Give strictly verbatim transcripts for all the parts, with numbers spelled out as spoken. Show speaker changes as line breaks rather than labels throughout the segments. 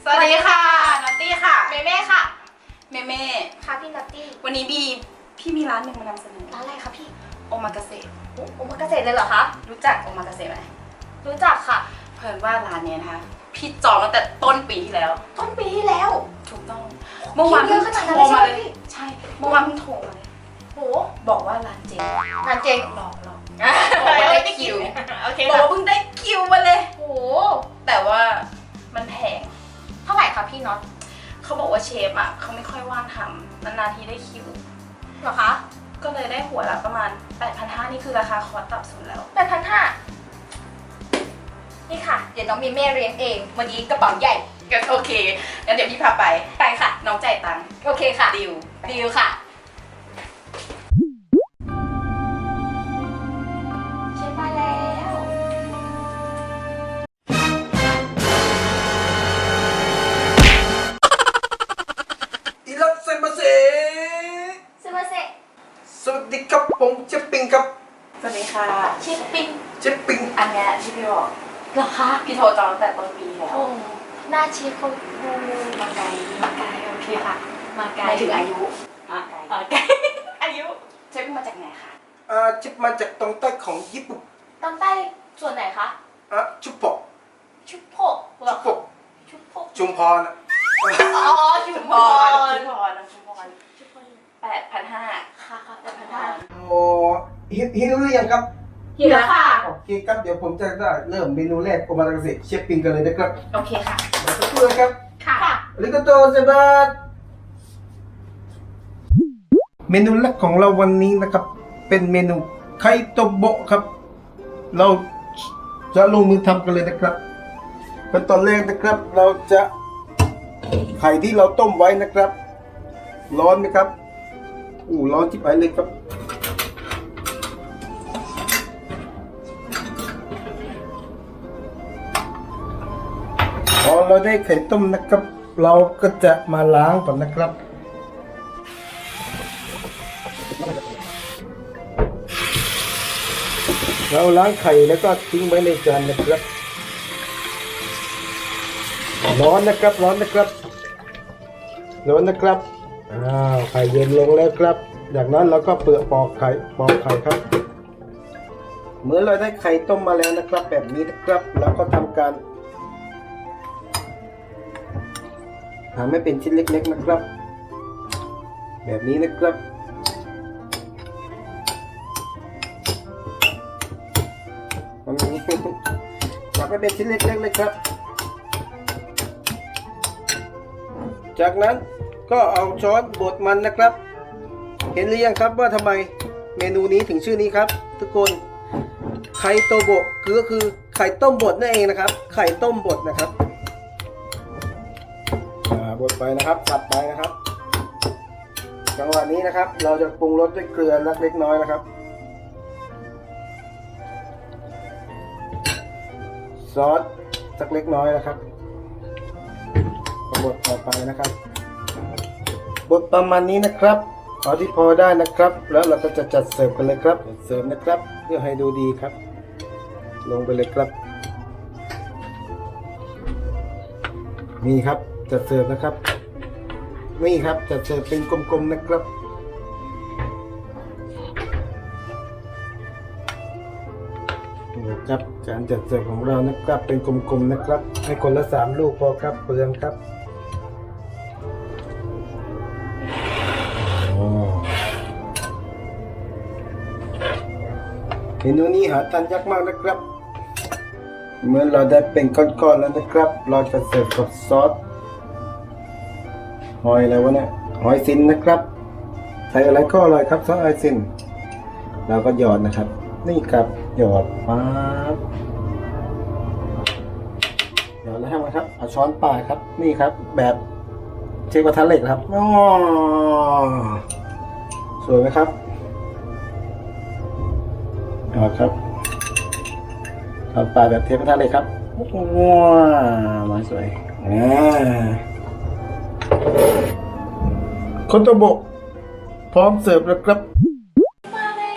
สวัสดีค่ะนัตตี้ค่ะ
เมเม่ค่ะ
เมเม่
ค่ะพี่นัตตี้
วันนี้บีพี่มีร้านหนึ่งมานำเสนอ
ร้านอะไรคะพี่
โอมากาเสะ
โอมากาเสะเลยเหรอคะ
รู้จักโอมากาเสะไหม
รู้จักค่ะ
เพิ่นว่าร้านนี้นะคะพี่จองตั้งแต่ต้นปีที่แล้ว
ต้นปีที่แล้ว
ถูกต้องเมื่อวานเพิ่งโทรมาเลยใช่เมื่อวานเพิ่งโทรมาเลย
โห
บอกว่าร้านเจ๊ง
ร้านเจ๊ง
หลอกหลอกบอกว่าได้คิว
โอเค
บอกว่าเพิ่งได้คิวมาเลย
โห
แต่ว่ามันแพง
เท่าไหร่คะพี่น็อต
เขาบอกว่าเชฟอ่ะเขาไม่ค่อยว่างทำนานๆทีได้คิว
เหรอคะ
ก็เลยได้หัวละประมาณ แปดพันห้าร้อย นี่คือราคาคอร์สต่ำสุดแล้ว
แปดพันห้าร้อย นี่ค่ะเดี๋ยวน้องมีเม่เรียนเองวันนี้กระเป๋าใหญ่
ก็โอเคงั้นเดี๋ยวพี่พาไป
ไปค่ะ
น้องจ่ายตังค์
โอเคค่ะ
ดิว
ดิวค่ะเชฟมาแล้ว
อิรัสเซมาเซ
ซึมาเซะ
สวัสดีครับผมเชฟปิงครับ
สวัสดีค่ะ
เชฟปิง
เชฟปิง
อันเนี้ยที่พี่บอก
เหรอคะ
พี่โทรจองตั้งแต่ต้นปีแล้ว
โอ้หน้าเชฟเขา
มาไกลมาไกลโอเคค่ะ
มาไกล
หมายถึงอายุ
อ่ะไกลอายุ
เชฟมาจากไหนคะ
อ่าเชฟมาจากตรงใต้ของญี่ปุ่น
ตอนใต้ส่วนไหนคะ
อ่ะชุบปก
ชุบโพก
ชุบปก
ชุบโพก
ชุมพรนะ
อ๋อชุมพร
ชุมพรชุมพร
ชุมพร
แปดพันห้า
ค่ะค่ะแปดพันห้า
โอ้หิวหรือยังครับ
หิวแล้วค่ะ
โอเคครับเดี๋ยวผมจะได้เริ่มเมนูแรกโอมากาเสะเชฟปิงกันเลยนะครับ
โอเคค่ะ
มาสักครู่นะครับ
ค่ะ
อาริโกโตเซบัสเมนูแรกของเราวันนี้นะครับเป็นเมนูไข่โตโบะครับเราจะลงมือทำกันเลยนะครับขั้นตอนแรกนะครับเราจะไข่ที่เราต้มไว้นะครับร้อนไหมครับอู้ร้อนที่ไปเลยครับพอเราได้ไข่ต้มนะครับเราก็จะมาล้างก่อนนะครับเราล้างไข่แล้วก็ทิ้งไว้ในจานนะครับร้อนนะครับร้อนนะครับร้อนนะครับอ้าวไข่เย็นลงแล้วครับจากนั้นเราก็เปลือกปอกไข่ปอกไข่ครับเมื่อเราได้ไข่ต้มมาแล้วนะครับแบบนี้นะครับเราก็ทำการทำให้เป็นชิ้นเล็กๆนะครับแบบนี้นะครับมันมีทำให้เป็นชิ้นเล็กๆเลยครับจากนั้นก็เอาช้อนบดมันนะครับเห็นหรือยังครับว่าทำไมเมนูนี้ถึงชื่อนี้ครับทุกคนไข่โตโบะคือก็คือไข่ต้มบดนั่นเองนะครับไข่ต้มบดนะครับบดไปนะครับสับไปนะครับจังหวะนี้นะครับเราจะปรุงรสด้วยเกลือเล็กน้อยนะครับซอสสักเล็กน้อยนะครับบดต่อไปนะครับบดประมาณนี้นะครับพอที่พอได้นะครับแล้วเราก็จะจัดเสิร์ฟกันเลยครับเสิร์ฟนะครับเพื่อให้ดูดีครับลงไปเลยครับนี่ครับจัดเสิร์ฟนะครับนี่ครับจัดเสิร์ฟเป็นกลมๆนะครับนี่ครับการจัดเสิร์ฟของเรานะครับเป็นกลมๆนะครับให้คนละสามลูกพอครับเปลืองครับเมนูนี้หาทานยากมากนะครับเมื่อเราได้เป็นก้อนๆแล้วนะครับเราจะเสิร์ฟกับซอสหอยอะไรวะเนี่ยหอยซินนะครับใส่อะไรก็อร่อยครับซอสหอยซินเราก็หยอดนะครับนี่ครับหยอดปั๊บหยอดแล้วทำไงครับเอาช้อนปลายครับนี่ครับแบบเชฟกระทะเหล็กครับอ๋อสวยไหมครับหยอดครับทำปลาแบบเทปกระทะเลยครับว้าวมาสวยอ่าคอนโตโบะพร้อมเสิร์ฟแล้วครับ
มาแล้ว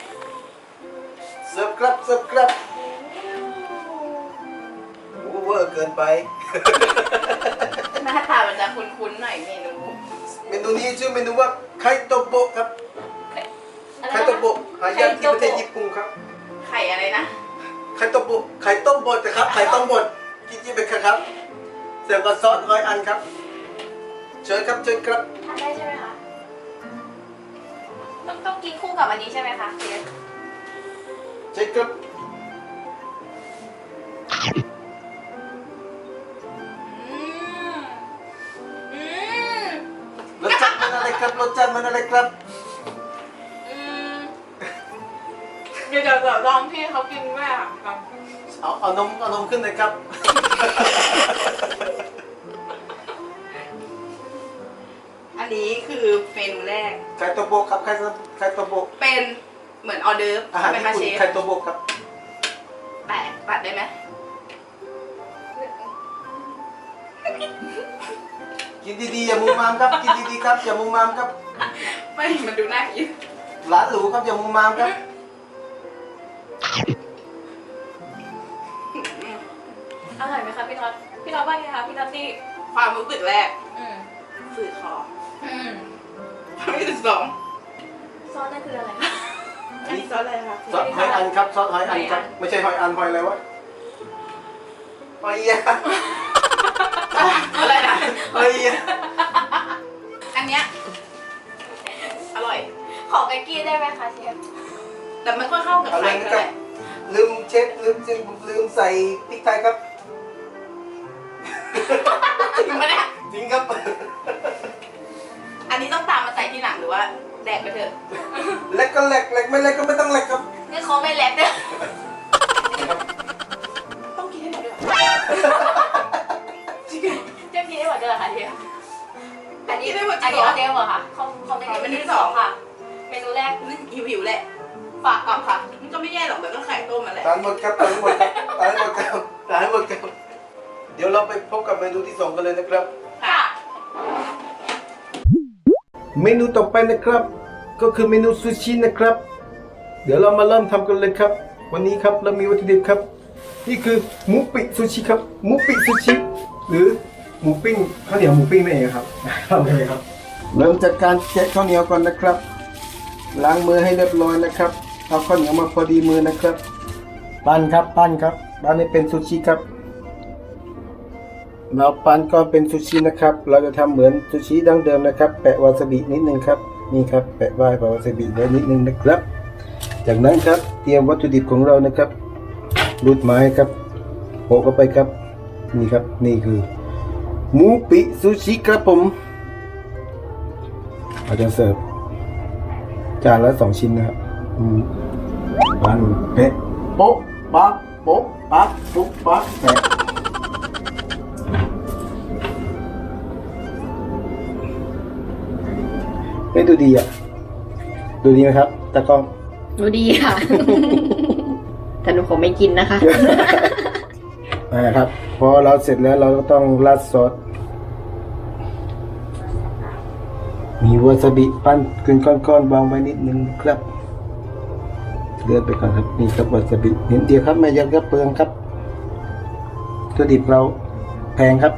เสิร์ฟครับเสิร์ฟครับโอเวอร์เกิกินไป
หน้าตามันจะคุ้นๆหน่อยเมนู
เมนูนี้ชื่อเมนูว่าไข่โตโบะครับ
อะไร
ไข่
นะ
โตโบะหายากที่ประเทศญี่ปุ่นครับ
ไข่อะไรนะ
ไข่โตโบะไข่ต้มบดนะครับไข่ต้มบดจริงๆเป็นครับเสิร์ฟกับซอสร้อยอันครับเชิญครับเชิญครับ
ทานได้ใช่ไหมคะต้องต้องกินคู่กับอันนี้ใช่ไหมคะเชฟ
เชิญครับ
อืมอืม
รสชาติมันอะไรครับรสชาติมันอะไรครับ
อืมเดี๋ยวเดี๋ยวลองพี่เขากินด้วยอ่ะลอง
เอาเอานมเอานมขึ้นเลยครับ
อันนี้คือเมนูแรก
ไข่โตโบะครับไข่ไข่โตโบะ
เป็นเหมือนออเดิร์ฟ
อาหาร
ใช่ไหม
ญี่
คะเชฟ
ปุ่นไข่โตโบะครับ
แตะตัดได้ไหม
กินดีๆอย่ามุมมามครับกินดีๆครับอย่ามุมมามครับ
ไม่มันดูน่ากิน
ร้านหรูครับอย่ามุมมามครับ
อร่อยไหมคะพี่น็อตพี่น็อตว่าไงคะพี่น็อตตี้
ความรู้สึกแรก
อืม
ฝืดคอ
อืม
ความรู้สึกสอง
ซอสนั่นคืออะไรคะ
อันนี้ซอสอะไรคะ
ซอสหอยอันครับซอสหอยอันครับไม่ใช่หอยอันหอยอะไรวะหอยยะ
อะไรนะ
หอยยะ
อันเนี้ยอร่อย
ขอเบกกี้ได้ไหมคะเชฟ
แต่ไม่ค่อยเข้ากับ
อะไร
ไข่
นะ
เท่า
ค
ไห
รับ
ร่
ลืมเช็ดลืมจริงลืมใส่พริกไทยครับ
จริงปะเนี่ย
จริงครับ
อันนี้ต้องตามมาใส่ที่หลังหรือว่าแดกไปเถอะ
เล็กก็เล็กเล็กไม่เล็กก็ไม่ต้องเล็กครับ
นี่เขาไม่แลกเนี่ย
ต้องกินให้หมดด้วย จริง
จะกินได้หมดเลยเหรอคะเชฟอันนี้
กินได้หมดจ
อั
ริ
น
ง
นี้
เหรอ
ออเดอร์เหรอคะเขาเขาจะกินเมนูที่สองค่ะ เมนูแรก
นี่หิวหิวๆแหละ ฝากกลับค่ะ มันก็ไม่แย่หรอกแต่ก็ไข่ต้มมาแหละ
ทานหมดครับทานหมดครับทานหมดครับทานหมดครับเดี๋ยวเราไปพบกับเมนูที่สองกันเลยนะครับ
ค่ะ
เมนูต่อไปนะครับ ก็คือเมนูซูชินะครับ เดี๋ยวเรามาเริ่มทำกันเลยครับ วันนี้ครับเรามีวัตถุดิบครับ นี่คือหมูปิ้งซูชิครับหมูปิ้งซูชิหรือหมูปิ้งข้าวเหนียวหมูปิ้งนั่นเองครับทำเลยครับ เริ่มจากการแกะข้าวเหนียวก่อนนะครับ ล้างมือให้เรียบร้อยนะครับเอาข้าวเหนียวมาพอดีมือนะครับ ปั้นครับปั้นครับปั้นให้เป็นซูชิครับเราปั้นก้อนเป็นซูชินะครับ เราจะทำเหมือนซูชิดั้งเดิมนะครับ แปะวาซาบินิดนึงครับนี่ครับแปะไว้แปะวาซาบิไว้นิดนึงนะครับ จากนั้นครับเตรียมวัตถุดิบของเรานะครับรูดไม้ครับโปะเข้าไปครับนี่ครับนี่คือหมูปิ้งซูชิครับผมเราจะเสิร์ฟจานละสองชิ้นนะครับอืมปั้นเป๊ะโป๊ะปั๊บโป๊ะปั๊บปุ๊บปั๊บแปะไม่ดูดีอ่ะดูดีไหมครับตากล้อง
ดูดีค่ะ แต่หนูคงไม่กินนะคะ
นะครับพอเราเสร็จแล้วเราก็ต้องราดซอสมีวาซาบิปั้นเป็นก้อนๆวางไว้นิดนึงครับเลื่อนไปก่อนครับนี่ครับวาซาบินิดเดียวครับไม่เยอะก็เปลืองครับตัวดิบเราแพงครับ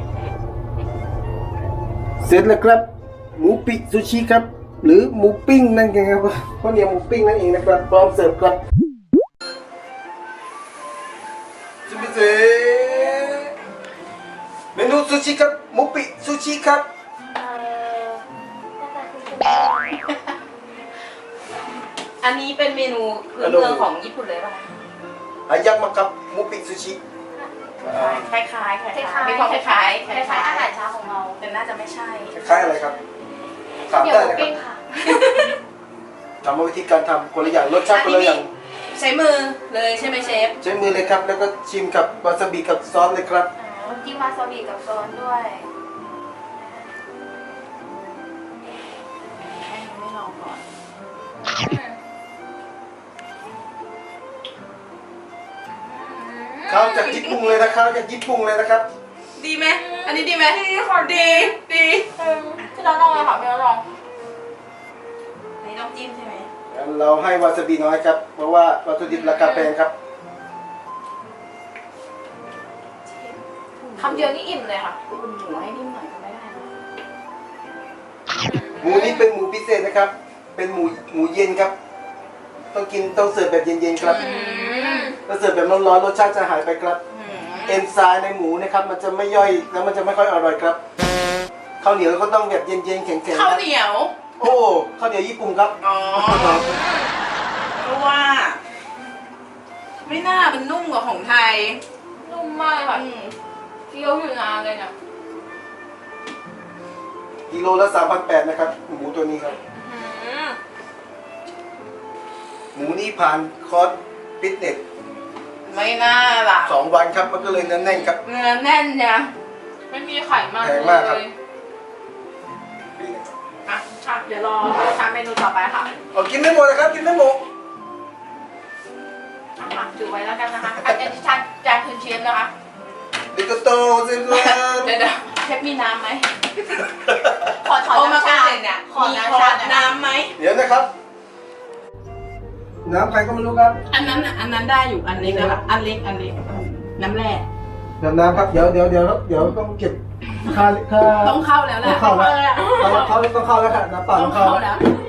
เสร็จแล้วครับหมูปิ้งซูชิครับหรือหมูปิ้งนั่นเองครับข้าวเหนียวหมูปิ้งนั่นเองนะครับพร้อมเสิร์ฟครับจิมิเซเมนูซูชิครับหมูปิ้งซูชิครับ
เอ่อหน้าตาคือเป็น
อันนี้เป็นเมนูพื้นเมืองของญี่ปุ่นเลยป่ะ
อายักมากับหมูปิ้งซูชิ
คล้ายๆคล้ายๆ
คล้ายๆ
มีความคล้ายๆ
คล้ายๆอาหารเช้าของเรา
แต่น่าจะไม่ใช่
คล้ายอะไรครับถาม
เดี๋ยว
ได้
หมู
นะครั
ปิ้
บ
งค่ะ
ถามว่าวิธีการทำคนละอย่างรสชาติคนละอย่าง
ใช้มือเลยใช่ไหมเชฟ
ใช้มือเลยครับแล้วก็ชิมกับวาซาบิกับซอสเลยครับ
อ๋อจิ้มวาซาบิกับโซนด้วย
ให้ไม่ลองก่อน
ข้าวจากญี่ปุ่นเลยนะข้าวจากญี่ปุ่นเลยนะครับ
ดีไหมอันนี้ดีไหมดีค่ะดีดี
อืมพี่น้องลองเลยค่ะพี่น้องลอง
อันนี้ต้องจิ้มใช่ไหม
งั้นเราให้วาซาบิน้อยครับเพราะว่าวัตถุดิบราคาแพงครับ
คำเดียวนี่อิ่มเลยค่ะคุณหมูให้นิ่มหน่อยก็ไม่ได้นะ
หมูนี้เป็นหมูพิเศษนะครับ เป็นหมูหมูเย็นครับ ต้องกินต้องเสิร์ฟแบบเย็นๆครับ
อืม
ถ้าเสิร์ฟแบบร้อนๆรสชาติจะหายไปครับ
อืม
เอนไซม์ในหมูนะครับ มันจะไม่ย่อยแล้วมันจะไม่ค่อยอร่อยครับข้าวเหนียวก็ต้องแบบเย็นๆแข็งๆ
ข้าว
นะ
เหนียว
โอ้ข้าวเหนียวญี่ปุ่นครับ
อ๋อเพราะว่า ไม่น่ามันนุ่มกว่าของไทย
นุ่มมากเลยค่ะ
อืม
เคี้ยวอยู่นานเลยเนี่ย
กิโลละสามพันแปดนะครับ หมูตัวนี้ครับ
อืม
หมูนี่ผ่านคอร์สฟิตเนส
ไม่น่าล่ะ
สองวันครับมันก็เลยแน่นๆครับ
เนื้อแน่นเนี่ย
ไม่มีไขมัน
แพง
เล
มากครับ
ย
นี่นะครับ
อ่ะค่ะเดี๋ยวรอทำเมนูต่อไปค่ะ
เอากินไม่หมดนะครับ กินไม่หมด
อ่ะถือไว้แล้วกันนะคะอันนี้ชาจานคืนเชฟนะคะ
ดิโกโตเซน
เดี๋ยวเดี๋ยวเชฟมีน้ำไหม
ขอถอน
โอมา
น้ำ
กา
ชา
เสเนี่ย
ขอ
มี
น้ำ
ขอ
ชา
น้ำไหม
เดี๋ยวนะครับ น้ำใครก็ไม่รู้ครับ
อันนั้นอ่ะอันนั้นได้อยู่อันเล็กนะคะอันเล็กอันเล็กน้ำแร่
เดี๋ยวน้ำครับเดี๋ยวเดี๋ยวเดี๋ยวครับเดี๋ยวต้องเก็บค่าค่า
ต้องเข้าแล้วแห
ต้อ
ละ
งเข้าแล้วเขาเขาต้องเข้าแล้วค่ะน้ำเปล่า
ต้
ต้
อ
อง ง
เข้า
เข้า
แล้ว
แล้ว